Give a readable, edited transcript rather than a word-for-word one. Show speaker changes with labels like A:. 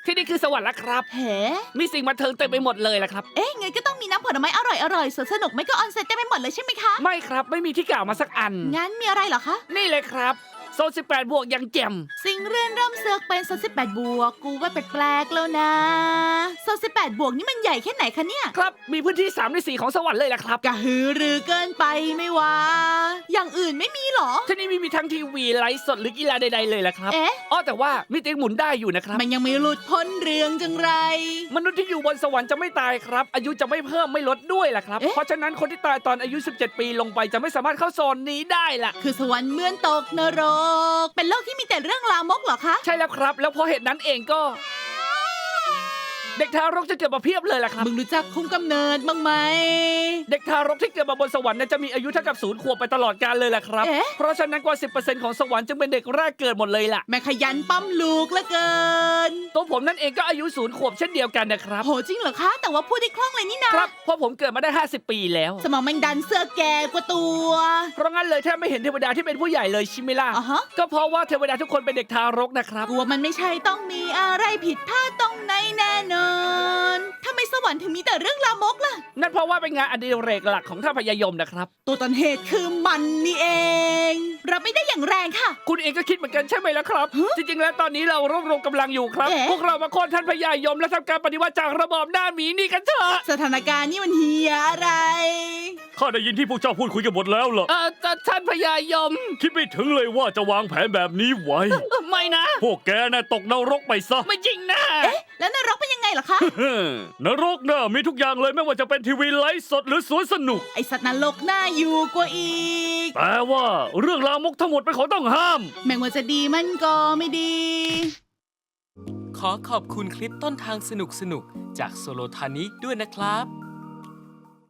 A: ที่นี่คือสวรรค์แล้วครับ
B: เฮ้
A: มีสิ่งบันเทิงเต็มไปหมดเลยละครับ
B: เอ๊ะไงก็ต้องมีน้ำผลไม้อร่อยๆสวนสนุกไม่ก็ออนเซ็นเต็มไปหมดเลยใช่ไหมคะ
A: ไม่ครับไม่มีที่กล่าวมาสักอัน
B: งั้นมีอะไรเหรอคะ
A: นี่เลยครับโซน18 บวกยังแจ่ม
B: สิ่งเรื่นเริ่มเสือกเป็นโซน18 บวก กูว่าแปลกๆแล้วนะโซน18 บวกนี่มันใหญ่แค่ไหนคะเนี่ย
A: ครับมีพื้นที่3 ใน 4ของสวรรค์เลยละครับ
B: กระหือรือเกินไปไหม่วะอย่างอื่นไม่มีเหรอ
A: ที่นี่มีทั้งทีวีไลฟ์สดหรือกีฬาใดๆเลยละครับ
B: เอ๊ะ
A: อ๋อแต่ว่ามีเตียงหมุนได้อยู่นะครับ
B: มันยังไม่หลุดพ้นเรื่องจังไร
A: มนุษย์ที่อยู่บนสวรรค์จะไม่ตายครับ อายุจะไม่เพิ่มไม่ลดด้วยล่ะครับ
B: เอ๊ะ
A: เพราะฉะนั้นคนที่ตายตอนอายุ 17 ปีลงไปจะไม่สามารถเข้าโซนนี้ได้ล่ะ
B: คือสวรรค์เหมือนตกนรก เป็นโลกที่มีแต่เรื่องลามกเหรอคะ
A: ใช่แล้วครับ แล้วเพราะเหตุนั้นเองก็ เด็กทารกจะเกิดมาเพียบเลยล่ะครับ
B: มึงรู้จักคุมกำเนิดบ้างไหม
A: เด็กทารกที่เกิดมาบนสวรรค์เนี่ยจะมีอายุเท่ากับ0 ขวบไปตลอดกาลเลยล่ะครับ
B: เอ๊ะ
A: เพราะฉะนั้นกว่า 10% ของสวรรค์จึงเป็นเด็กแรกเกิดหมดเลยล่ะ
B: แม่ขยันปั๊มลูกเหลือเกิน
A: ตัวผมนั่นเองก็อายุ0 ขวบเช่นเดียวกันนะครับ
B: โหจริงเหรอคะ แต่ว่าพูดได้คล่องเลยนี่นะครับ
A: เพราะผมเกิดมาได้ 50 ปีแล้ว
B: สมองแมงดันเสื้อแก่กว่าตัว
A: เพราะงั้นเลยแทบไม่เห็นเทวดาที่เป็นผู้ใหญ่เลยใช่ไหมล่ะ
B: อ่ะฮะ
A: ก็เพราะว่าเทวดาทุกคนเป็นเด็กทารกนะครับ
B: กลัวมันไม่ใช่ต้องมีอะไรผิดพลาดตรงไหนแน่นอนทำไมสวรรค์ถึงมีแต่เรื่องลามกล่ะ
A: นั่นเพราะว่าเป็นงานอดิเรกหลักของท่านพญายมนะครับ
B: ตัวต้นเหตุคือมันนี่เอง รับไม่ได้อย่างแรงค่ะ
A: คุณเองก็คิดเหมือนกันใช่ไหมล่ะครับ จริงๆ แล้วตอนนี้เรารวบรวมกำลังอยู่ครับ
B: เอ๊ะ
A: พวกเรามาโค่นท่านพญายมและทำการปฏิวัติจากระบอบหน้าหมีนี่กันเถอะ
B: สถานการณ์นี่มันเฮียอะไร
C: ข้าได้ยินที่พวกเจ้าพูดคุยกันหมดแล้วล่ะ
A: ท่านพญายม
C: คิดไม่ถึงเลยว่าจะวางแผนแบบนี้ไว้
A: ไม่นะ
C: พวกแกน่ะตกนรกไปซะ
A: ไม่จริงนะ
B: เอ๊ะ แล้วนรกเป็นยังไงเหรอคะ
C: นรกน่ะมีทุกอย่างเลยไม่ว่าจะเป็นทีวีไลฟ์สดหรือสวนสนุก
B: ไอสัตว์นรกน่าอยู่กว่าอีก
C: แต่ว่าเรื่องลามกทั้งหมดเป็นของต้องห้าม
B: แม้ว่าจะดีมันก็ไม่ดี
D: ขอขอบคุณคลิปต้นทางสนุกๆ จากโซโลทานิด้วยนะครับ